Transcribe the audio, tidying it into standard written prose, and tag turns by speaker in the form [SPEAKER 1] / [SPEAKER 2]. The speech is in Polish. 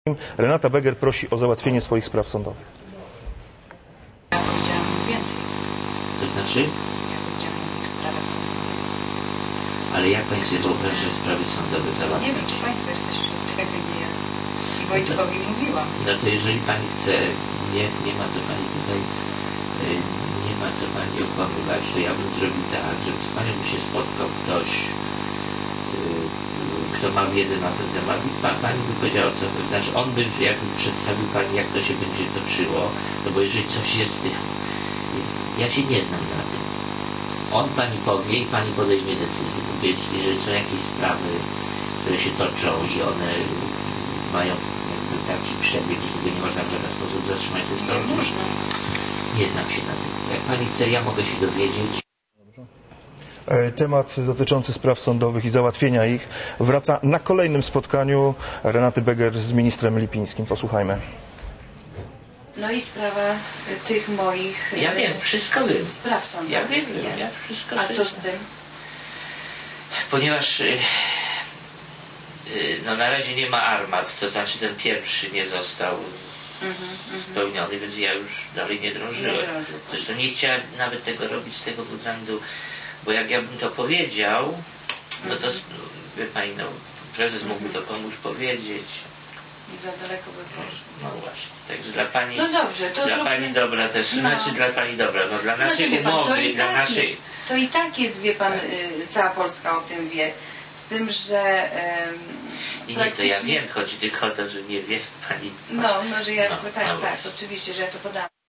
[SPEAKER 1] Renata Beger prosi o załatwienie swoich spraw sądowych.
[SPEAKER 2] Ja powiedziałam więcej.
[SPEAKER 3] To znaczy?
[SPEAKER 2] Ja powiedziałam o ich sprawach sądowych.
[SPEAKER 3] Ale jak Pani sobie wyobraża sprawy sądowe
[SPEAKER 2] Nie
[SPEAKER 3] załatwić?
[SPEAKER 2] wiem, czy Państwo jesteście od tego, nie ja. I Wojtkowi mówiłam.
[SPEAKER 3] No to jeżeli Pani chce, nie ma co Pani tutaj, nie ma co Pani okłamywać, to ja bym zrobił tak, żeby z Panią by się spotkał ktoś, kto ma wiedzę na ten temat i Pani by powiedziała, co, znaczy on by jakby przedstawił Pani, jak to się będzie toczyło, no bo jeżeli coś jest, ja się nie znam na tym. On Pani powie i Pani podejmie decyzję, bo jeżeli są jakieś sprawy, które się toczą i one mają jakby taki przebieg, że tego nie można w żaden sposób zatrzymać tej sprawy, nie znam się na tym. Jak Pani chce, ja mogę się dowiedzieć.
[SPEAKER 1] Temat dotyczący spraw sądowych i załatwienia ich wraca na kolejnym spotkaniu Renaty Beger z ministrem Lipińskim. Posłuchajmy.
[SPEAKER 2] No i sprawa tych moich...
[SPEAKER 3] Ja wiem, wszystko wiem.
[SPEAKER 2] Spraw sądowych.
[SPEAKER 3] Ja wiem,
[SPEAKER 2] nie?
[SPEAKER 3] ja wszystko
[SPEAKER 2] A
[SPEAKER 3] sobie
[SPEAKER 2] co
[SPEAKER 3] znam.
[SPEAKER 2] z tym?
[SPEAKER 3] Ponieważ no na razie nie ma armat, to znaczy ten pierwszy nie został spełniony, więc ja już dalej nie drążyłem. Zresztą nie chciałem nawet tego robić z tego względu, bo jak ja bym to powiedział, no to wie Pani, no, prezes mógłby to komuś powiedzieć.
[SPEAKER 2] I za daleko by poszło.
[SPEAKER 3] No właśnie, także dla Pani,
[SPEAKER 2] No dobrze, to
[SPEAKER 3] dla Pani dobra też,
[SPEAKER 2] No.
[SPEAKER 3] znaczy dla Pani dobra, no dla naszej
[SPEAKER 2] wie pan,
[SPEAKER 3] umowy, dla naszej...
[SPEAKER 2] To i tak jest, wie Pan, cała Polska o tym wie. Z tym, że
[SPEAKER 3] I nie, to ja wiem, chodzi tylko o to, że nie wie Pani.
[SPEAKER 2] No, że ja,
[SPEAKER 3] No,
[SPEAKER 2] tak,
[SPEAKER 3] no
[SPEAKER 2] tak, oczywiście, że ja to podałam.